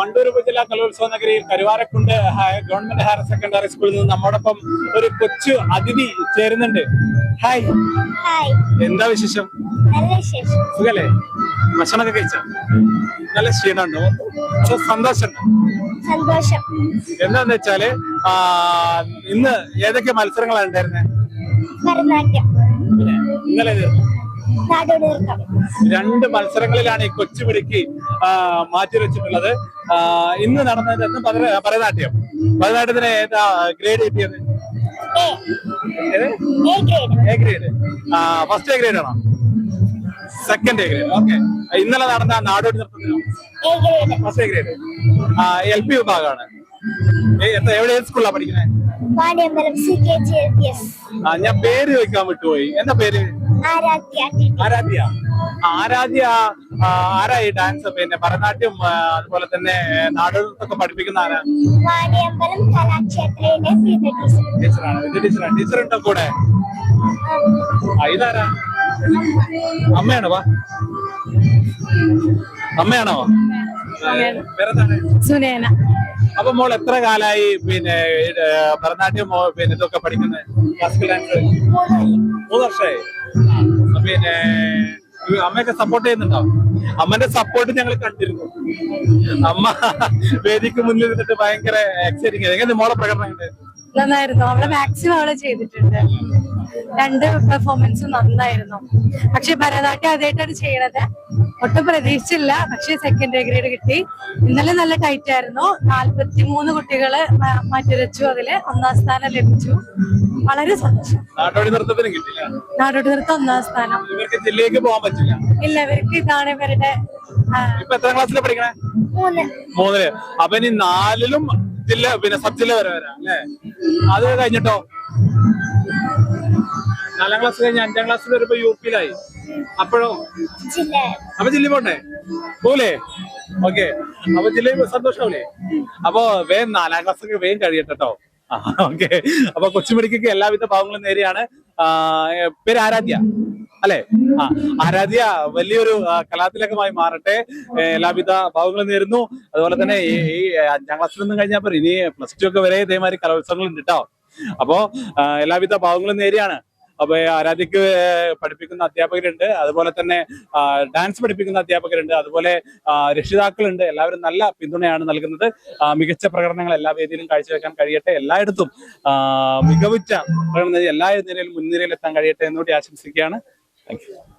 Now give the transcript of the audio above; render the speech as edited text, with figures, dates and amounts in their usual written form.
വണ്ടൂർ ഉപജില്ലാ കലോത്സവ നഗരിയിൽ കരുവാരക്കുണ്ട് ഗവൺമെന്റ് ഹയർ സെക്കൻഡറി സ്കൂളിൽ നിന്ന് നമ്മോടൊപ്പം ഒരു കൊച്ചു അതിഥി ചേരുന്നുണ്ട്. ഹായ്. ഹായ്. എന്താ വിശേഷം? നല്ല വിശേഷം. സുഖല്ലേ? ഭക്ഷണമൊക്കെ കഴിച്ചോ? നല്ല ക്ഷീണമുണ്ടോ? അതോ സന്തോഷമുണ്ടോ? സന്തോഷം. എന്താന്ന് വെച്ചാല് ഇന്ന് ഏതൊക്കെ മത്സരങ്ങളാണ് ഉണ്ടായിരുന്നത്? ഭരതനാട്യം, ഇന്നലെ നാടോടി നൃത്തം. 2 മത്സരങ്ങളിലാണ് ഈ കൊച്ചുപിടിക്ക് മാറ്റിവെച്ചിട്ടുള്ളത്. ഇന്ന് നടന്നത് ഭരതനാട്യം. ഭരതനാട്യത്തിന് ഏതാ ഗ്രേഡ് കിട്ടിയത്? A grade. First A grade ആണോ? Second A grade. ഓക്കെ. ഇന്നലെ നടന്ന നാടോടി നൃത്തത്തിനോ? First A grade. LP വിഭാഗമാണ്. എവിടെ സ്കൂളിലാണ് പഠിക്കുന്നത്? ഞാൻ പേര് ചോദിക്കാൻ വിട്ടുപോയി. എന്താ പേര്? ആരാധ്യ. ആരാധ്യ ആരായി ഡാൻസ് പിന്നെ ഭരതനാട്യം അതുപോലെ തന്നെ നാടോടി നൃത്തമൊക്കെ പഠിപ്പിക്കുന്ന ആരാ? ടീച്ചറാണ്. ടീച്ചർ ഉണ്ടോ കൂടെ? ഇതാരാ? അമ്മയാണോ? അമ്മയാണോ? പേരെന്താണ്? സുനേന. അപ്പൊ മോൾ എത്ര കാലായി പിന്നെ ഭരതനാട്യം പിന്നെ ഇതൊക്കെ പഠിക്കുന്നത്? ക്ലാസിക്കൽ ഡാൻസ് 3 വർഷമായി. പിന്നെ അമ്മയൊക്കെ സപ്പോർട്ട് ചെയ്യുന്നുണ്ടോ? അമ്മന്റെ സപ്പോർട്ട് ഞങ്ങൾ കണ്ടിരുന്നു. അമ്മ വേദിക്ക് മുന്നിൽ നിന്നിട്ട് ഭയങ്കര എക്സൈറ്റിംഗ്. എങ്ങനെ മോളെ പ്രകടനം നന്നായിരുന്നു. അവളെ മാക്സിമം അവളെ ചെയ്തിട്ടുണ്ട്. 2 പെർഫോമൻസും നന്നായിരുന്നു. പക്ഷെ ഭരതനാട്യം ആദ്യമായിട്ടാണ് ചെയ്യണത്. ഒട്ടും പ്രതീക്ഷിച്ചില്ല. പക്ഷെ സെക്കൻഡ് ഗ്രേഡ് കിട്ടി. ഇന്നലെ നല്ല ടൈറ്റ് ആയിരുന്നു. 43 കുട്ടികള് മാറ്റിവെച്ചു. അതില് 1ാം സ്ഥാനം ലഭിച്ചു. വളരെ സന്തോഷം. നാടോടി നൃത്തത്തിന് കിട്ടില്ല. നാടോടി നൃത്തം 1ാം സ്ഥാനം. ഇവർക്ക് ജില്ലയിലേക്ക് പോകാൻ പറ്റില്ല. ഇല്ല, ഇവർക്ക് ഇതാണ് ഇവരുടെ. ഇപ്പൊ എത്രാം ക്ലാസ്സിലാണ് പഠിക്കണേ? 3. അപ്പൊ ഇനി 4ലും ജില്ല പിന്നെ സബ് ജില്ല വരെ വരാം അല്ലേ? അത് കഴിഞ്ഞിട്ടോ 4ാം ക്ലാസ് കഴിഞ്ഞ് 5ാം ക്ലാസ്സിൽ വരുമ്പോ UP-യിലായി. അപ്പോഴോ? അപ്പൊ ജില്ല പോണ്ടേ? പോലെ. ഓക്കെ. അപ്പൊ ജില്ലയിൽ സന്തോഷാവൂലേ? അപ്പൊ വേഗം 4ാം ക്ലാസ് വേഗം കഴിയട്ടോ. ഓക്കെ. അപ്പൊ കൊച്ചുമിടിക്ക് എല്ലാവിധ ഭാവങ്ങളും നേരെയാണ്. പേര് ആരാധ്യ അല്ലെ? ആരാധ്യ വലിയൊരു കലാതിലകമായി മാറട്ടെ. എല്ലാവിധ ഭാവങ്ങളും നേരുന്നു. അതുപോലെ തന്നെ ഈ 5ാം ക്ലാസ്സിൽ നിന്നും കഴിഞ്ഞപ്പോ ഇനി +2 ഒക്കെ വരെ ഇതേമാതിരി കലോത്സവങ്ങൾ ഉണ്ട് കേട്ടോ. അപ്പോ എല്ലാവിധ ഭാവങ്ങളും നേരെയാണ്. അപ്പൊ ആരാധ്യക്ക് പഠിപ്പിക്കുന്ന അധ്യാപകരുണ്ട്, അതുപോലെ തന്നെ ഡാൻസ് പഠിപ്പിക്കുന്ന അധ്യാപകരുണ്ട്, അതുപോലെ രക്ഷിതാക്കളുണ്ട്. എല്ലാവരും നല്ല പിന്തുണയാണ് നൽകുന്നത്. മികച്ച പ്രകടനങ്ങൾ എല്ലാ വേദിയിലും കാഴ്ചവെക്കാൻ കഴിയട്ടെ. എല്ലായിടത്തും മികവുറ്റ പ്രകടനം എല്ലാ നിലയിലും മുൻനിരയിൽ എത്താൻ കഴിയട്ടെ എന്നുകൂടി ആശംസിക്കുകയാണ്. Thank U.